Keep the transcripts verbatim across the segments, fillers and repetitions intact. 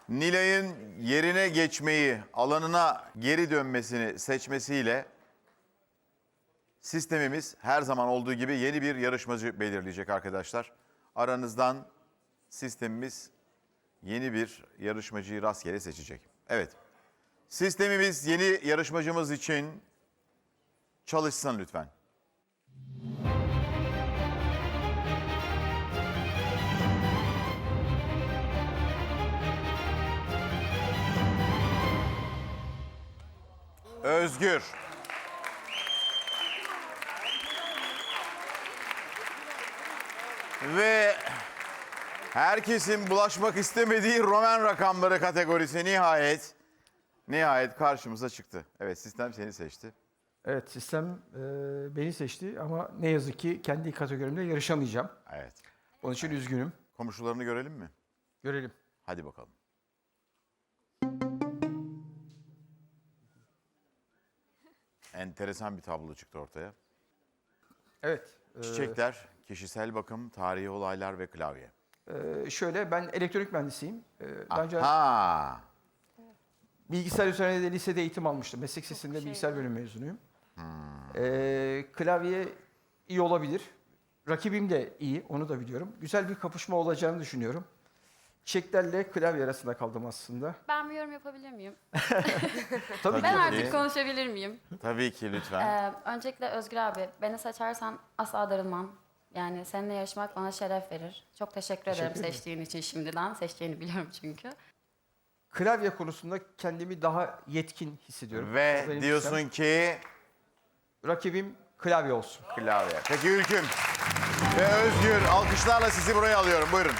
Nilay'ın yerine geçmeyi, alanına geri dönmesini seçmesiyle sistemimiz her zaman olduğu gibi yeni bir yarışmacı belirleyecek arkadaşlar. Aranızdan sistemimiz yeni bir yarışmacıyı rastgele seçecek. Evet. Sistemimiz yeni yarışmacımız için çalışsın lütfen. Özgür. Ve herkesin bulaşmak istemediği Roman rakamları kategorisi nihayet nihayet karşımıza çıktı. Evet, sistem seni seçti. Evet, sistem e, beni seçti ama ne yazık ki kendi kategorimde yarışamayacağım. Evet. Onun için üzgünüm. Komşularını görelim mi? Görelim. Hadi bakalım. Enteresan bir tablo çıktı ortaya. Evet. e, Çiçekler, kişisel bakım, tarihi olaylar ve klavye. e, şöyle, ben elektronik mühendisiyim. E, daha önce Ha. bilgisayar üzerine de lisede eğitim almıştım. Meslek lisesinde bilgisayar bölümü mezunuyum. E, klavye iyi olabilir. Rakibim de iyi, onu da biliyorum. Güzel bir kapışma olacağını düşünüyorum. Çiçeklerle klavye arasında kaldım aslında. Ben bir yorum yapabilir miyim? Tabii Ben ki. artık konuşabilir miyim? Tabii ki lütfen. Ee, öncelikle Özgür abi, beni seçersen asla darılmam. Yani seninle yarışmak bana şeref verir. Çok teşekkür, ederim Teşekkür ederim. seçtiğin için şimdiden. Seçtiğini biliyorum çünkü. Klavye konusunda kendimi daha yetkin hissediyorum. Ve Benim diyorsun sistem. ki Rakibim klavye olsun. klavye. Peki Ülküm ve Özgür, alkışlarla sizi buraya alıyorum. Buyurun.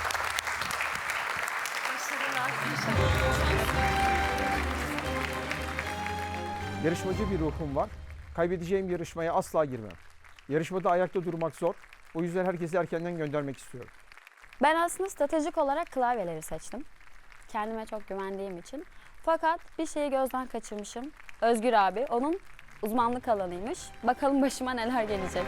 Yarışmacı bir ruhum var. Kaybedeceğim yarışmaya asla girmem. Yarışmada ayakta durmak zor. O yüzden herkesi erkenden göndermek istiyorum. Ben aslında stratejik olarak klavyeleri seçtim. Kendime çok güvendiğim için. Fakat bir şeyi gözden kaçırmışım. Özgür abi, onun uzmanlık alanıymış. Bakalım başıma neler gelecek.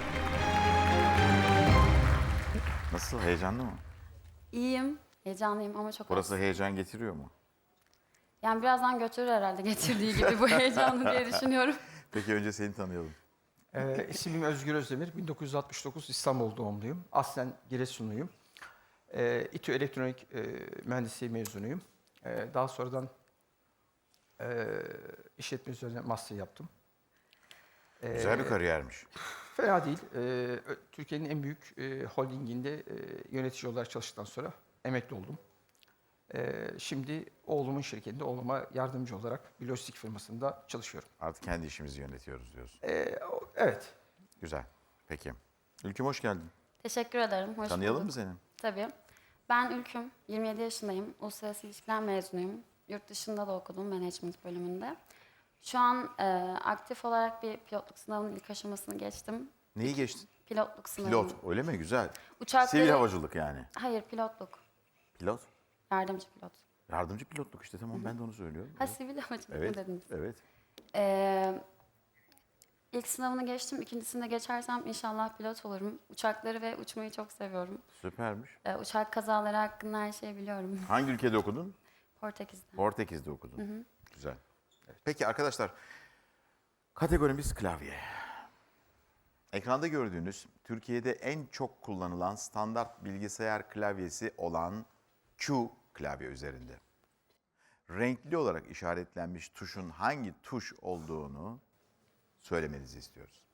Nasıl, heyecanlı mı? İyiyim, heyecanlıyım ama çok Burası az. heyecan getiriyor mu? Yani birazdan götürür herhalde getirdiği gibi bu heyecanı diye düşünüyorum. Peki önce seni tanıyalım. Ee, ismim Özgür Özdemir. bin dokuz yüz altmış dokuz İstanbul doğumluyum. Aslen Giresunluyum. Ee, İTÜ Elektronik e, Mühendisliği mezunuyum. Ee, daha sonradan e, işletme üzerine master yaptım. Ee, Güzel bir kariyermiş. Fena değil. Ee, ö- Türkiye'nin en büyük e, holdinginde e, yönetici olarak çalıştıktan sonra emekli oldum. Ee, şimdi oğlumun şirketinde oğluma yardımcı olarak bir lojistik firmasında çalışıyorum. Artık kendi işimizi yönetiyoruz diyorsun. Ee, o- evet. Güzel. Peki. Ülküm hoş geldin. Teşekkür ederim, hoş Tanıyalım bulduk. mı seni? Tabii. Ben Ülküm, yirmi yedi yaşındayım. Uluslararası İlişkiler mezunuyum. Yurt dışında da okudum, management bölümünde. Şu an e, aktif olarak bir pilotluk sınavının ilk aşamasını geçtim. Neyi geçtin? Pilotluk sınavı. Pilot. Öyle mi? Güzel. Uçakları... Sivil havacılık yani. Hayır, pilotluk. Pilot. Yardımcı pilot. Yardımcı pilotluk işte, tamam, ben de onu söylüyorum. Ha, sivil havacılık mı Evet. dediniz? Evet. Ee, ilk sınavını geçtim. İkincisinde geçersem inşallah pilot olurum. Uçakları ve uçmayı çok seviyorum. Süpermiş. Ee, uçak kazaları hakkında her şeyi biliyorum. Hangi ülkede okudun? Portekiz'de. Portekiz'de okudun. Güzel. Peki arkadaşlar, kategorimiz klavye. Ekranda gördüğünüz Türkiye'de en çok kullanılan standart bilgisayar klavyesi olan Q klavye üzerinde. Renkli olarak işaretlenmiş tuşun hangi tuş olduğunu söylemenizi istiyoruz.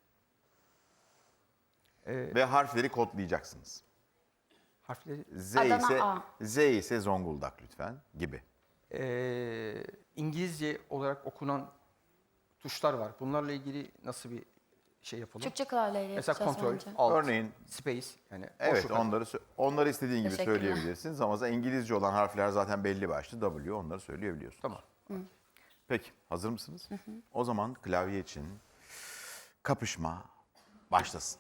Ee, Ve harfleri kodlayacaksınız. harfleri Z Adana ise A. Z ise Zonguldak lütfen gibi. Ee, İngilizce olarak okunan tuşlar var. Bunlarla ilgili nasıl bir şey yapalım? Türkçe klavyeyle Mesela yapacağız kontrol, önce. alt, Örneğin space yani evet, boşluk. onları sö- onları istediğin gibi Teşekkürler. söyleyebilirsiniz ama İngilizce olan harfler zaten belli başlı. W, onları söyleyebiliyorsunuz. Tamam. Peki, hazır mısınız? O zaman klavye için kapışma başlasın.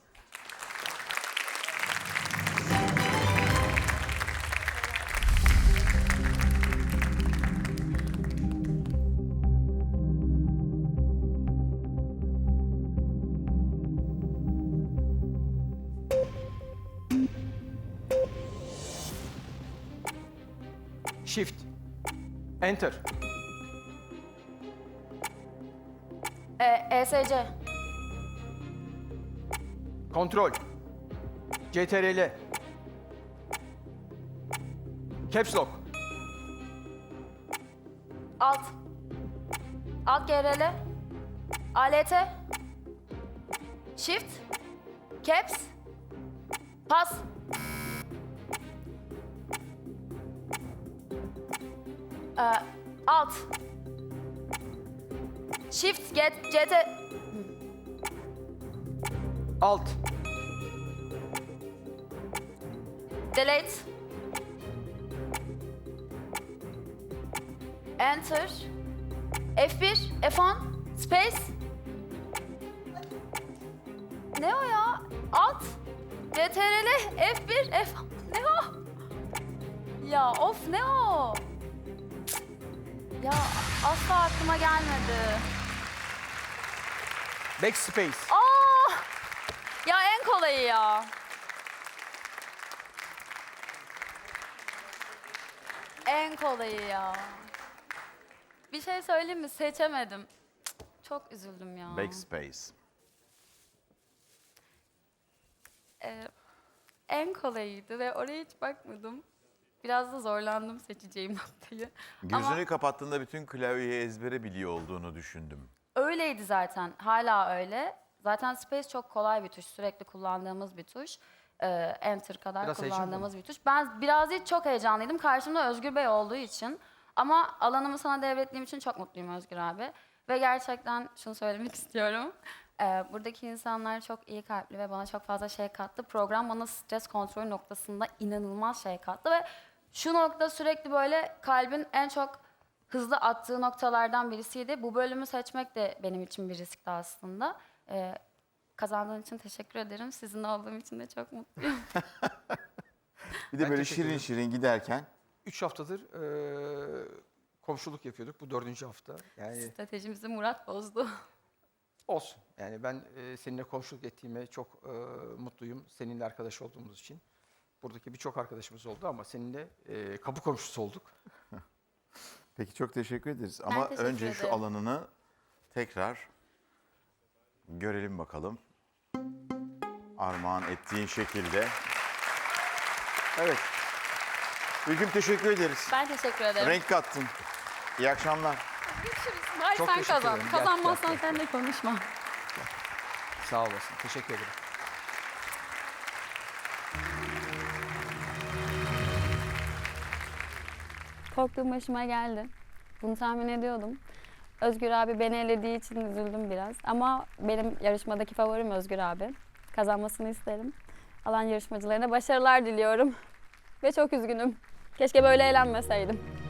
Shift, Enter. E, ESC. Kontrol. C T R L. Caps Lock. Alt. Alt G R L. A L T. Shift. Caps. Pas. Ee, alt. Shift. Get, C T. Alt. Delete. Enter. F bir. F on. Space. Ne o ya? Alt. C T R L. F bir. F... Ne o? Ya of ne o? Ya asla aklıma gelmedi. Backspace. Aa! Ya en kolayı ya. En kolayı ya. Bir şey söyleyeyim mi? Seçemedim. Cık, çok üzüldüm ya. Backspace. Ee, en kolayıydı ve oraya hiç bakmadım. Biraz da zorlandım seçeceğim noktayı. Gözünü Ama kapattığında bütün klavyeyi ezbere biliyor olduğunu düşündüm. öyleydi zaten. Hala öyle. Zaten Space çok kolay bir tuş. Sürekli kullandığımız bir tuş. Ee, Enter kadar Biraz heyecanlı kullandığımız bir tuş. Ben biraz değil çok heyecanlıydım. Karşımda Özgür Bey olduğu için. Ama alanımı sana devrettiğim için çok mutluyum Özgür abi. Ve gerçekten şunu söylemek istiyorum. Ee, buradaki insanlar çok iyi kalpli ve bana çok fazla şey kattı. Program bana stres kontrolü noktasında inanılmaz şey kattı ve şu nokta sürekli böyle kalbin en çok hızlı attığı noktalardan birisiydi. Bu bölümü seçmek de benim için bir riskti aslında. Ee, kazandığın için teşekkür ederim. Sizinle olduğum için de çok mutluyum. Bir de Ben böyle teşekkür şirin ederim. şirin giderken Üç haftadır eee, komşuluk yapıyorduk. Bu dördüncü hafta. Yani Stratejimizi Murat bozdu. olsun. Yani ben eee, seninle komşuluk ettiğime çok eee, mutluyum. Seninle arkadaş olduğumuz için. Buradaki birçok arkadaşımız oldu ama seninle eee, kapı komşusu olduk. peki çok teşekkür ederiz. Ama teşekkür önce şu ederim. alanını tekrar görelim bakalım. Armağan ettiğin şekilde. Evet. Ülküm teşekkür ederiz. Ben teşekkür ederim. Renk kattın. İyi akşamlar. Görüşürüz. Hayır Çok sen teşekkür kazan. ederim. Gel, Kazanmazsan gel, sen de konuşma. Sağ olasın. Teşekkür ederim. Korktuğum başıma geldi. Bunu tahmin ediyordum. Özgür abi beni elediği için üzüldüm biraz. Ama benim yarışmadaki favorim Özgür abi. Kazanmasını isterim. Alan yarışmacılarına başarılar diliyorum. Ve çok üzgünüm. Keşke böyle eğlenmeseydim.